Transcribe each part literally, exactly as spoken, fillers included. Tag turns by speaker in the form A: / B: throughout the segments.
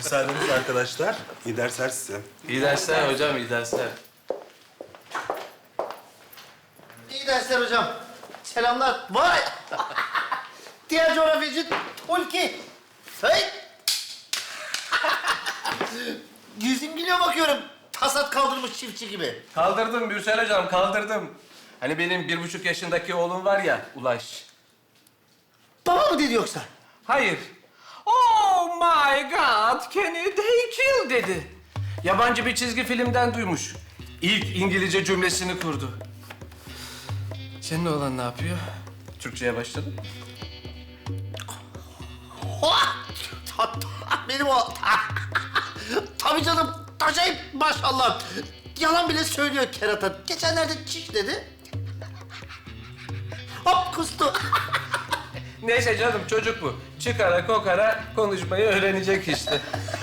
A: Müsaadenizle arkadaşlar. İyi dersler size.
B: İyi dersler hocam, iyi dersler.
C: İyi dersler hocam. Selamlar. Vay! Diğer coğrafyacı Hulki. Hey! Yüzün gülüyor bakıyorum. Tasat kaldırmış çiftçi gibi.
B: Kaldırdım Mürsel hocam, kaldırdım. Hani benim bir buçuk yaşındaki oğlum var ya, Ulaş.
C: Baba mı dedi yoksa?
B: Hayır. Oh my God, can you they kill dedi. Yabancı bir çizgi filmden duymuş. İlk İngilizce cümlesini kurdu. Senin oğlan ne yapıyor? Türkçeye başladı mı?
C: Oha! Ta- ta- Benim o... Tabii canım. Acayip maşallah. Yalan bile söylüyor kerata. Geçenlerde çiş dedi. Hop kustu.
B: Neyse canım, çocuk bu. Çıkara kokara konuşmayı öğrenecek işte.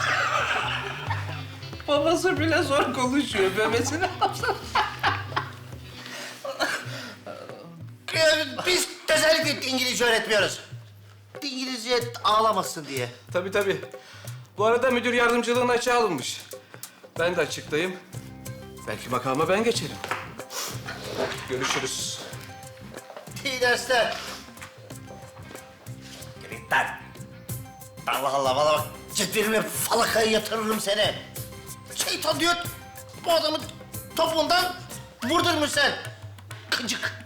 B: Babası bile zor konuşuyor. Memesi ne yapsın?
C: Ee, Biz özellikle İngilizce öğretmiyoruz. İngilizce ağlamasın diye.
B: Tabii tabii. Bu arada müdür yardımcılığına açığa alınmış. Ben de açıktayım. Belki makama ben geçerim. Görüşürüz.
C: İyi dersler. Git lan. Allah Allah, bana bak. Cetvelime falakaya yatırırım seni. Şeytan diyor, bu adamın topuğundan vurdurmuş sen. Kıcık.